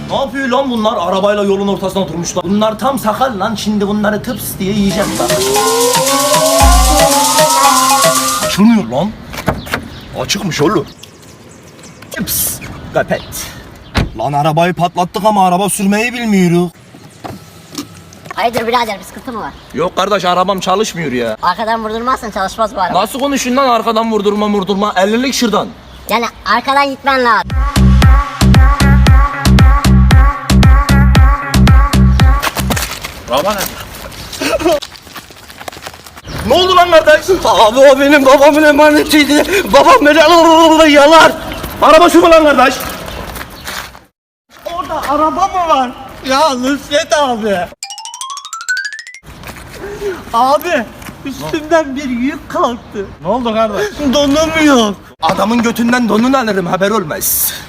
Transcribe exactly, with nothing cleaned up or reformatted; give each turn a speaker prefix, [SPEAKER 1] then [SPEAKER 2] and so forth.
[SPEAKER 1] Ne yapıyor lan bunlar? Arabayla yolun ortasına oturmuşlar. Bunlar tam sakal lan. Şimdi bunları tıps diye yiyeceğim bak. Açılmıyor lan. Açıkmış oğlum. Tıps. Kapet. Lan arabayı patlattık ama araba sürmeyi bilmiyoruz.
[SPEAKER 2] Hayırdır birader, bir sıkıntı mı var?
[SPEAKER 1] Yok kardeş, arabam çalışmıyor ya.
[SPEAKER 2] Arkadan vurdurmazsan çalışmaz bu araba.
[SPEAKER 1] Nasıl konuşuyorsun lan arkadan vurdurma vurdurma? ellilik şırdan. Yani
[SPEAKER 2] arkadan gitmen lazım.
[SPEAKER 1] Araba nerede? Ne oldu lan kardeş?
[SPEAKER 3] Abi o benim babamın emanetiydi. Babam beni yalar.
[SPEAKER 1] Araba şu mu lan kardeş?
[SPEAKER 3] Orada araba mı var? Ya Nusret abi. Abi üstümden bir yük kalktı.
[SPEAKER 1] Ne oldu kardeş?
[SPEAKER 3] Donum yok.
[SPEAKER 1] Adamın götünden donunu alırım, haber olmaz.